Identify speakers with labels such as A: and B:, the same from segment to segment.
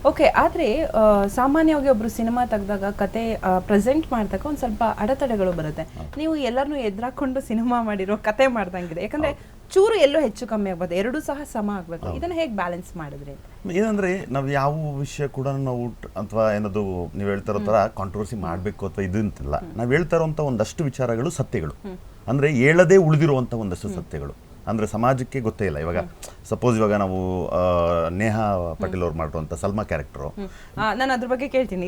A: Okay, ಆದರೆ ಸಾಮಾನ್ಯವಾಗಿ ಒಬ್ರು ಸಿನಿಮಾ ತೆಗೆದಾಗ ಕತೆ ಪ್ರೆಸೆಂಟ್ ಮಾಡಿದಾಗ ಒಂದು ಸ್ವಲ್ಪ ಅಡೆತಡೆಗಳು ಬರುತ್ತೆ. ನೀವು ಎಲ್ಲರನ್ನೂ ಎದುರಾಕೊಂಡು ಸಿನಿಮಾ ಮಾಡಿರೋ ಕತೆ ಮಾಡ್ದಂಗಿದೆ. ಯಾಕಂದ್ರೆ ಚೂರು ಎಲ್ಲೋ ಹೆಚ್ಚು ಕಮ್ಮಿ ಆಗ್ಬೋದು, ಎರಡೂ ಸಹ ಸಮ ಆಗಬೇಕು. ಇದನ್ನು ಹೇಗೆ ಬ್ಯಾಲೆನ್ಸ್ ಮಾಡಿದ್ರಿ?
B: ಏನಂದ್ರೆ ನಾವು ಯಾವ ವಿಷಯ ಕೂಡ ನಾವು ಅಥವಾ ಏನದು ನೀವು ಹೇಳ್ತಾ ಇರೋ ಥರ ಕಾಂಟ್ರವರ್ಸಿ ಮಾಡಬೇಕು ಅಥವಾ ಇದು ಅಂತಿಲ್ಲ. ನಾವು ಹೇಳ್ತಾ ಇರೋಂಥ ಒಂದಷ್ಟು ವಿಚಾರಗಳು ಸತ್ಯಗಳು, ಅಂದರೆ ಹೇಳದೇ ಉಳಿದಿರುವಂಥ ಒಂದಷ್ಟು ಸತ್ಯಗಳು. ಅಂದರೆ ಸಮಾಜಕ್ಕೆ ಗೊತ್ತೇ ಇಲ್ಲ. ಇವಾಗ ಸಪೋಸ್ ಇವಾಗ ನಾವು ನೇಹಾ ಪಾಟೀಲ್ ಅವ್ರು ಮಾಡಿರುವಂಥ ಸಲ್ಮಾ ಕ್ಯಾರೆಕ್ಟರು,
A: ನಾನು ಅದ್ರ ಬಗ್ಗೆ ಕೇಳ್ತೀನಿ.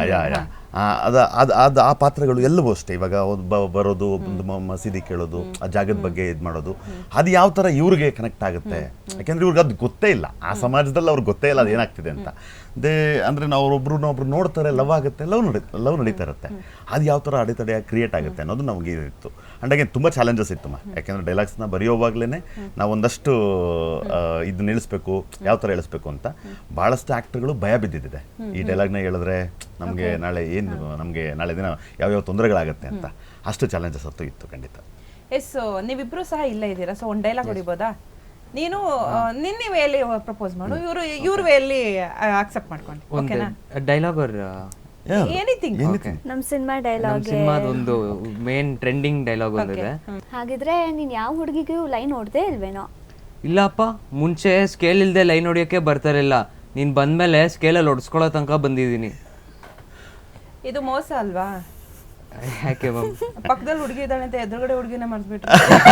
B: ಅದು ಆ ಪಾತ್ರಗಳು ಎಲ್ಲವೂ ಅಷ್ಟೇ. ಇವಾಗ ಬರೋದು, ಒಂದು ಮಸೀದಿ ಕೇಳೋದು, ಆ ಜಾಗದ ಬಗ್ಗೆ ಇದು ಮಾಡೋದು, ಅದು ಯಾವ ಥರ ಇವ್ರಿಗೆ ಕನೆಕ್ಟ್ ಆಗುತ್ತೆ. ಯಾಕೆಂದ್ರೆ ಇವ್ರಿಗೆ ಅದು ಗೊತ್ತೇ ಇಲ್ಲ, ಆ ಸಮಾಜದಲ್ಲಿ ಅವ್ರಿಗೆ ಗೊತ್ತೇ ಇಲ್ಲ ಅದು ಏನಾಗ್ತಿದೆ ಅಂತ. ಅಂದರೆ ನಾವು ಒಬ್ರು ನೋಡ್ತಾರೆ, ಲವ್ ಆಗುತ್ತೆ, ಲವ್ ನಡೀತಾ ಇರುತ್ತೆ. ಅದು ಯಾವ ಥರ ಅಡೆತಡೆ ಕ್ರಿಯೇಟ್ ಆಗುತ್ತೆ ಅನ್ನೋದು ನಮಗೆ ಇತ್ತು. ಅಂಡ್ ಅಗೇನ್ ತುಂಬ ಚಾಲೆಂಜಸ್ ಇತ್ತು. ಯಾಕೆಂದರೆ ಡೈಲಾಗ್ಸ್ನ ಬರೆಯೋವಾಗಲೇ ನಾವು ಒಂದಷ್ಟು ಇದನ್ನ ಇಳಿಸ್ಬೇಕು, ಯಾವ ಥರ ಇಳಿಸ್ಬೇಕು ಅಂತ ಭಾಳಷ್ಟು ಆ್ಯಕ್ಟರ್ಗಳು ಭಯ ಬಿದ್ದಿದೆ. ಈ ಡೈಲಾಗ್ನ ಹೇಳಿದ್ರೆ ನಮಗೆ ನಾಳೆ ನಾಳೆ ದಿನ ಯಾವ್ಯಾವ ತೊಂದರೆಗಳಾಗುತ್ತೆ ಅಂತ. ಅಷ್ಟು ಚಾಲೆಂಜಸ್ ಅಂತೂ ಇತ್ತು ಖಂಡಿತ.
A: ಎಸ್, ನೀವಿಬ್ರು ಸಹ ಇಲ್ಲೇ ಇದ್ದೀರಾ, ಸೊ ಒಂದು ಡೈಲಾಗ್ ಹೊಡಿಬೋದಾ? ನೀನು ನಿನ್ನ ವೇಯಲ್ಲಿ ಪ್ರಪೋಸ್ ಮಾಡು, ಇವ್ರ ವೇಯಲ್ಲಿ ಅಕ್ಸೆಪ್ಟ್ ಮಾಡ್ಕೊಂಡು. ಓಕೆನಾ?
C: Dialogue
A: anything.
D: ನಮ್ ಸಿನಿಮಾ ಡೈಲಾಗ್,
C: ಸಿನಿಮಾದೊಂದು ಮೇನ್ ಟ್ರೆಂಡಿಂಗ್ ಡೈಲಾಗ್ ಒಂದಿದೆ.
D: ಹಾಗಿದ್ರೆ ನೀನ್ ಯಾವ ಹುಡುಗಿಗೂ ಲೈನ್ ಹೊಡ್ದೇ ಇಲ್ವೇನೋ?
C: ಇಲ್ಲಪ್ಪ, ಮುಂಚೆ ಸ್ಕೇಲ್ ಇಲ್ದೆ ಲೈನ್ ಹೊಡಿಯೋಕೆ ಬರ್ತಾರಿಲ್ಲ. ನೀನ್ ಬಂದ್ಮೇಲೆ ಸ್ಕೇಲಲ್ಲಿ ಹೊಡ್ಸ್ಕೊಳ್ಳೋ ತನಕ ಬಂದಿದ್ದೀನಿ.
A: ಇದು ಮೋಸ ಅಲ್ವಾ?
C: ಯಾಕೆ ಮ್ಯಾಮ್?
A: ಪಕ್ಕದಲ್ಲಿ ಹುಡುಗಿ ಇದ್ದಾಳೆ ಅಂತ ಎದುರುಗಡೆ ಹುಡುಗಿನ ಮರ್ತ್ಬಿಟ್ಟು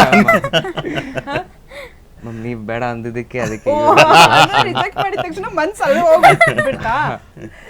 C: ಮ್ಯಾಮ್ ನೀವು ಬೇಡ ಅಂದಿದ್ದಕ್ಕೆ ಅದಕ್ಕೆ
A: ರಿಜೆಕ್ಟ್ ಮಾಡಿದ ತಕ್ಷಣ ಮನ್ಸಲ್ಲಿ ಹೋಗ್ಬಿಡ್ತಾ?